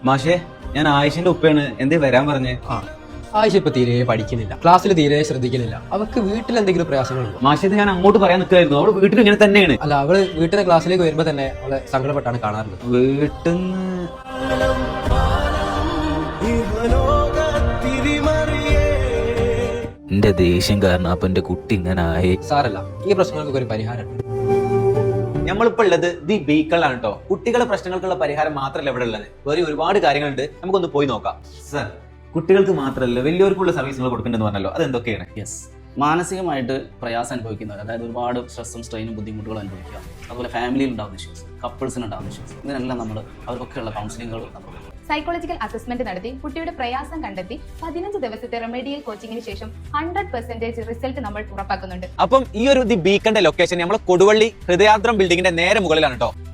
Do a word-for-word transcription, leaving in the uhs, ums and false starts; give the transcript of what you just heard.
മാഷേ, ഞാൻ ആയിഷന്റെ ഉപ്പയാണ്. എന്തേ വരാൻ പറഞ്ഞേ? ആ ആയിഷ ഇപ്പൊ തീരെ പഠിക്കുന്നില്ല, ക്ലാസ്സിൽ തീരെ ശ്രദ്ധിക്കുന്നില്ല. അവർക്ക് വീട്ടിൽ എന്തെങ്കിലും പ്രയാസങ്ങളുണ്ടോ? മാഷേ, ഇത് ഞാൻ അങ്ങോട്ട് പറയാൻ നിൽക്കായിരുന്നു. അവള് വീട്ടിൽ ഇങ്ങനെ തന്നെയാണ്. അല്ല, അവള് വീട്ടിലെ ക്ലാസ്സിലേക്ക് വരുമ്പോ തന്നെ അവളെ സങ്കടപ്പെട്ടാണ് കാണാറുള്ളത്. വീട്ടിന്ന് എന്റെ ദേഷ്യം കാരണം അപ്പൊ എന്റെ കുട്ടി ഇങ്ങനെ ആയി. സാരല്ല, ഈ പ്രശ്നങ്ങൾക്ക് ഒരു പരിഹാരമുണ്ട്. നമ്മളിപ്പോ ഉള്ളത് ദി ബീക്കളിലാണ് കേട്ടോ. കുട്ടികളുടെ പ്രശ്നങ്ങൾക്കുള്ള പരിഹാരം മാത്രമല്ല ഇവിടെ ഉള്ളത്, വേറെ ഒരുപാട് കാര്യങ്ങളുണ്ട്. നമുക്കൊന്ന് പോയി നോക്കാം. സർ, കുട്ടികൾക്ക് മാത്രമല്ല വലിയവർക്കുള്ള സർവീസുകൾ കൊടുക്കേണ്ടതെന്ന് പറഞ്ഞല്ലോ, അതെന്തൊക്കെയാണ്? യെസ്, മാനസികമായിട്ട് പ്രയാസം അനുഭവിക്കുന്നവർ, അതായത് ഒരുപാട് സ്ട്രെസ്സും സ്ട്രെയിനും ബുദ്ധിമുട്ടുകളും അനുഭവിക്കുക, അതുപോലെ ഫാമിലിയിൽ ഉണ്ടാകുന്ന ഇഷ്യൂസ്, കപ്പിൾസിന് ഉണ്ടാകുന്ന ഇഷ്യൂസ്, ഇതിനെല്ലാം നമ്മൾ അവർക്കൊക്കെയുള്ള കൗൺസിലിങ്ങുകൾ നമ്മൾ സൈക്കോളജിക്കൽ അസസ്മെന്റ് നടത്തി കുട്ടിയുടെ പ്രയാസം കണ്ടെത്തി പതിനഞ്ച് ദിവസത്തെ റെമഡിയൽ കോച്ചിങ്ങിന് ശേഷം ഹൺഡ്രഡ് പെർസെന്റേജ് റിസൾട്ട് നമ്മൾ ഉറപ്പാക്കുന്നുണ്ട്. അപ്പം ഈ ഒരു ദി ബീക്കന്റെ ലൊക്കേഷൻ നമ്മൾ കൊടുവള്ളി ഹൃദയാദ്രം ബിൽഡിങ്ങിന്റെ നേരെ മുകളിലാണ് കേട്ടോ.